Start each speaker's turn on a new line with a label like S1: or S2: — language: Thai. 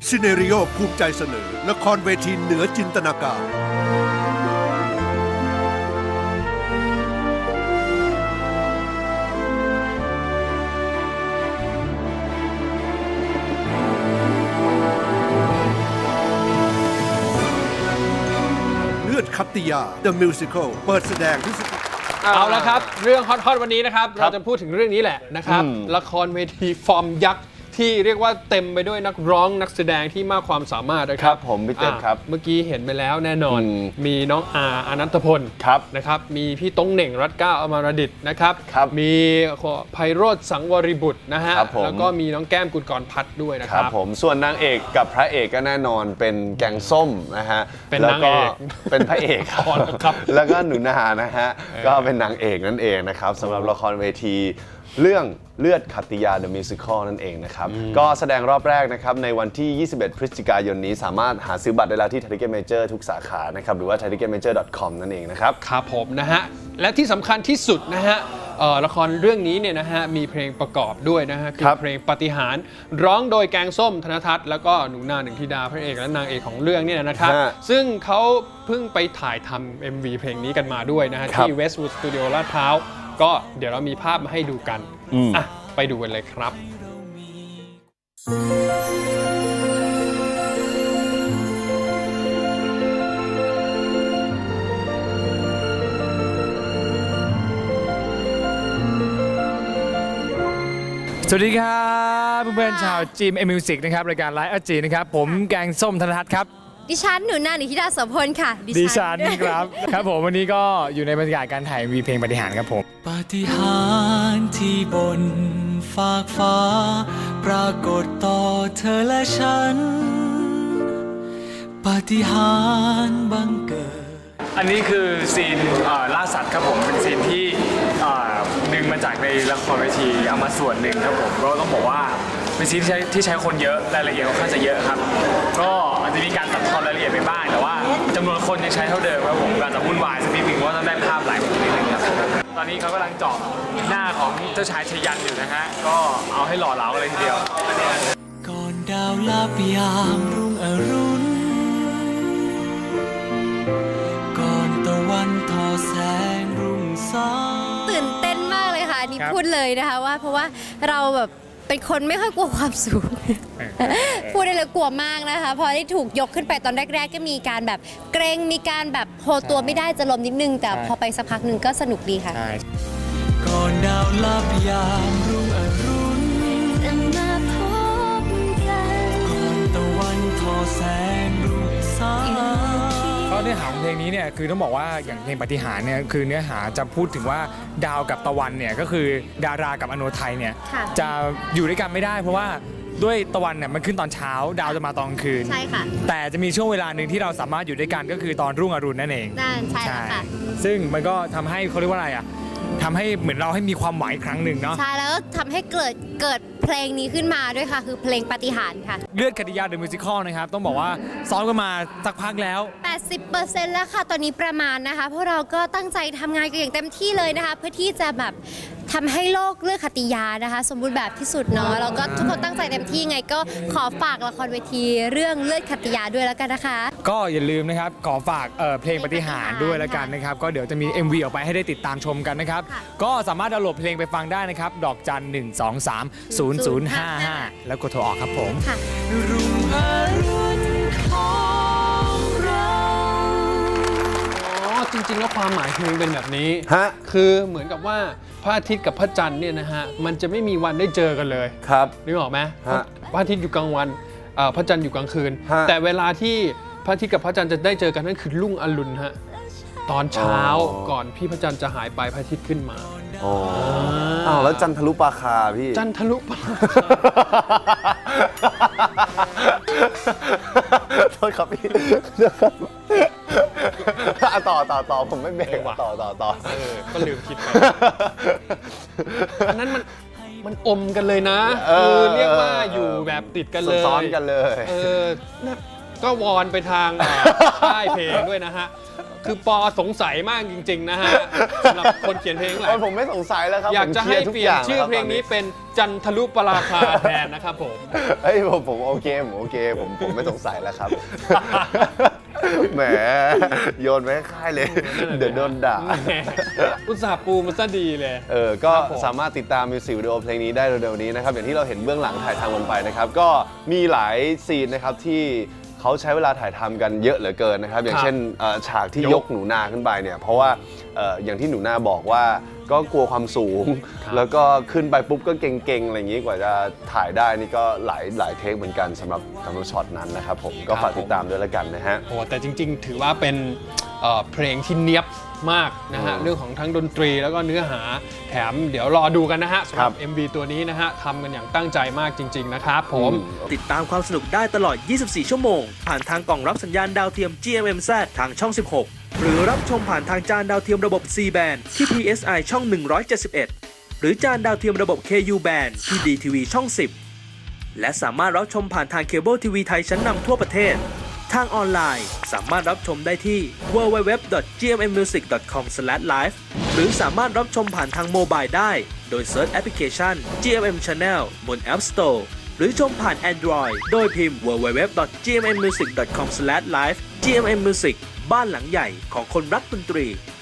S1: ซิเนริโอภูมิใจเสนอละครเวทีเหนือจินตนาการเลือดคัตติยา The Musical เปิดแสดงที่
S2: เอาละครับเรื่องฮอตๆวันนี้นะครับเราจะพูดถึงเรื่องนี้แหละนะครับละครเวทีฟอร์มยักษ์ที่เรียกว่าเต็มไปด้วยนักร้องนักแสดงที่มากความสามารถนะครับ
S3: ผมพี่เต้ครับ
S2: เมื่อกี้เห็นไปแล้วแน่นอนมีน้องอนันตพลนะครับมีพี่ต้งเหน่งรัตน์เกล้าอมรดิษฐ์นะครับมีไพโรจน์สังวริบุตรนะฮะแล้วก็มีน้องแก้มกุลกรพัฒน์ด้วยนะครับ
S3: ผมส่วนนางเอกกับพระเอกก็แน่นอนเป็นแกงส้มนะฮะ
S2: เป็นนางเอก
S3: เป็นพระเอกครับแล้วก็หนูนานะฮะก็เป็นนางเอกนั่นเองนะครับสำหรับละครเวทีเรื่องเลือดคัตติยา The Musical นั่นเองนะครับก็แสดงรอบแรกนะครับในวันที่ 21 พฤศจิกายนนี้สามารถหาซื้อบัตรได้แล้วที่ Ticket Major ทุกสาขานะครับหรือว่า ticketmajor.com นั่นเองนะครับ
S2: ครับผมนะฮะและที่สำคัญที่สุดนะฮะละครเรื่องนี้เนี่ยนะฮะมีเพลงประกอบด้วยนะฮะคือเพลงปาฏิหาริย์ร้องโดยแกงส้มธนทัศน์แล้วก็หนูนาหนึ่งธิดาพระเอกและนางเอกของเรื่องเนี่ยนะครับซึ่งเขาเพิ่งไปถ่ายทำ MV เพลงนี้กันมาด้วยนะฮะที่ Westwood Studio ลาดพร้าวก็เดี๋ยวเรามีภาพมาให้ดูกันไปดูกันเลยครับ
S4: สวัสดีครับเพื่อนๆชาวจีมเอมิวสิกนะครับรายการไลฟ์อาจีนะครับผมแกงส้มธนทัศน์ครับ
S5: ดิฉันหนูนาหนึ่งธิดาโสพลค่ะ
S4: ดิฉันครับครับผมวันนี้ก็อยู่ในบรรยากาศการถ่ายวีเพลงปาฏิหาริย์ครับผม
S6: ปาฏิหาริย์ที่บนฟากฟ้าปรากฏต่อเธอและฉันปาฏิหาริย์บังเกิด
S4: อันนี้คือซีนล่าสัตว์ครับผมเป็นซีนที่ดึงมาจากในละครเวทีเอามาส่วนหนึ่งครับผมก็ต้องบอกว่าเป็นซีนที่ใช้คนเยอะรายละเอียดค่อนข้างจะเยอะครับก็อาจจะมีการตัดทอนรายละเอียดไปบ้างแต่ว่าจำนวนคนยังใช้เท่าเดิมครับผมการจะวุ่นวายสักนิดนึงว่าต้องได้ภาพหลายมุมนิดนึงครับตอนนี้เขากำลังเจาะหน้าของเจ้าชายชยันอยู่นะฮะก็เอาให้หล่อเหลาเลยทีเดียว
S6: ก่อนดาวลับยามรุ่งอรุณก่อนตะวันทอแสงรุ่งสาง
S5: ตื่นเต้นมากเลยค่ะนี่พูดเลยนะคะว่าเพราะว่าเราแบบเป็นคนไม่ค่อยกลัวความสูงพูดได้เลยกลัวมากนะคะพอได้ถูกยกขึ้นไปตอนแรกๆก็มีการแบบเกรงมีการแบบโฮตัวไม่ได้จะล้มนิดนึงแต่พอไปสักพักหนึ่งก็สนุกดีค่ะ
S6: ก่อนดาวลับยามรุ่งอรุณจะมาพบกันก่อนตะวันทอแสงรุ่งสาง
S4: ก็เนื้อหาของเพลงนี้เนี่ยคือต้องบอกว่าอย่างเพลงปาฏิหาริย์เนี่ยคือเนื้อหาจะพูดถึงว่าดาวกับตะวันเนี่ยก็คือดารากับอโนไทยเนี่ยจะอยู่ด้วยกันไม่ได้เพราะว่าด้วยตะวันเนี่ยมันขึ้นตอนเช้าดาวจะมาตอนกลางคืน
S5: ใช่ค่ะ
S4: แต่จะมีช่วงเวลาหนึ่งที่เราสามารถอยู่ด้วยกันก็คือตอนรุ่งอรุณนั่นเอง
S5: ใช่ค่ะ
S4: ซึ่งมันก็ทำให้เขาเรียกว่าอะไรอ่ะทำให้เหมือนเราให้มีความหมายครั้งหนึ่งเนาะ
S5: ใช่แล้วก็ทำให้เกิดเพลงนี้ขึ้นมาด้วยค่ะคือเพลงปาฏิหาริย์ค่ะ
S4: เลือดคัตติยา The Musical นะครับต้องบอกว่าซ้อมกันมาสักพักแล้ว
S5: 80% แล้วค่ะตอนนี้ประมาณนะคะพวกเราก็ตั้งใจทำงานกันอย่างเต็มที่เลยนะคะเพื่อที่จะแบบทำให้โลกเลือดคัตติยานะคะสมบูรณ์แบบที่สุดเนาะแล้วก็ทุกคนตั้งใจเต็มที่ไงก็ขอฝากละครเวทีเรื่องเลือดคัตติยาด้วยแล้วกันนะคะ
S4: ก็อย่าลืมนะครับขอฝากเพลงปาฏิหาริย์ด้วยแล้วกันนะครับก็เดี๋ยวจะมี MV ออกไปให้ได้ติดตามชมกันนะครับก็สามารถดาวน์โหลดเพลงไปฟังได้นะครับดอกจัน 1230055แล้วกดโทรออกครับผม
S6: รุ่งอรุณของเรา
S2: จริงๆแล้วความหมายเพลงเป็นแบบนี้คือเหมือนกับว่าพระอาทิตย์กับพระจันทร์เนี่ยนะฮะมันจะไม่มีวันได้เจอกันเลย
S3: ครับ
S2: นึกออกไหมพระอาทิตย์อยู่กลางวันพระจันทร์อยู่กลางคืนแต่เวลาที่พระอาทิตย์กับพระจันทร์จะได้เจอกันนั่นคือรุ่งอรุณฮะตอนเช้าก่อนพี่พระจันทร์จะหายไปพระอาทิตย์ขึ้นมา
S3: อ้าวแล้วจันทรุปราคาพี่
S2: จันทรุปราคา
S3: โทษครับพี่ต่อผมไม่เบรกต่อ
S2: ก็ลืมคิดไปอันนั้นมันอมกันเลยนะคือเรียกว่าอยู่แบบติดกันเลย
S3: ซ้อนกันเลย
S2: ก็วอนไปทางค่ายเพลงด้วยนะฮะคือปอสงสัยมากจริงๆนะฮะสำหรับคนเขียนเพลงหลาย
S3: ผมไม่สงสัยแล้วครับ
S2: อยากจะให้
S3: ผม
S2: เป
S3: ค
S2: ลี่ยน
S3: ร์ทุก
S2: ชื่อ
S3: อย่าง
S2: เพลงนี้
S3: แวครับ
S2: เป็นจันทรุปราคาแทนนะครับผม
S3: เฮ้ยผมโอเคผมไม่สงสัยแล้วครับ แหมโยนไว้ให้ค่ายเลย เดี๋ยวโดนด่า
S2: แหมอุตส่าห์ปูมันซะดีเลย
S3: ก็
S2: ครับผม
S3: สามารถติดตามมิวสิกวิดีโอเพลงนี้ได้เร็วๆนี้นะครับ อย่างที่เราเห็นเบื้องหลังถ่ายทำกันไปนะครับ ก็มีหลายซีนนะครับที่เขาใช้เวลาถ่ายทำกันเยอะเหลือเกินนะครับ อย่างเช่นฉากที่ยกหนูนาขึ้นไปเนี่ยเพราะว่าอย่างที่หนูนาบอกว่าก็กลัวความสูง แล้วก็ขึ้นไปปุ๊บก็เก่งๆอะไรอย่างนี้กว่าจะถ่ายได้นี่ก็หลายเทคเหมือนกันสำหรับช็อตนั้นนะครับผมก็ฝากติดตามด้วยแล้วกันนะฮะ
S2: โอ้แต่จริงๆ ถือว่าเป็นเพลงที่เนียบมากนะฮะ เรื่องของทั้งดนตรีแล้วก็เนื้อหาแถมเดี๋ยวรอดูกันนะฮะสำหรับ MV ตัวนี้นะฮะทำกันอย่างตั้งใจมากจริง ๆ นะครับผม
S7: ติดตามความสนุกได้ตลอด 24 ชั่วโมง ผ่านทางกล่องรับสัญญาณดาวเทียม GMMZ ทางช่อง 16 หรือรับชมผ่านทางจานดาวเทียมระบบ C band ที่ PSI ช่อง 171 หรือจานดาวเทียมระบบ KU band ที่ DTV ช่อง 10 และสามารถรับชมผ่านทางเคเบิลทีวีไทยชั้นนำทั่วประเทศ ทางออนไลน์สามารถรับชมได้ที่ www.gmmmusic.com/live หรือสามารถรับชมผ่านทางโมบายได้โดยเซิร์ชแอปพลิเคชัน GMM Channel บน App Store หรือชมผ่าน Android โดยพิมพ์ www.gmmmusic.com/live GMM Music บ้านหลังใหญ่ของคนรักดนตรี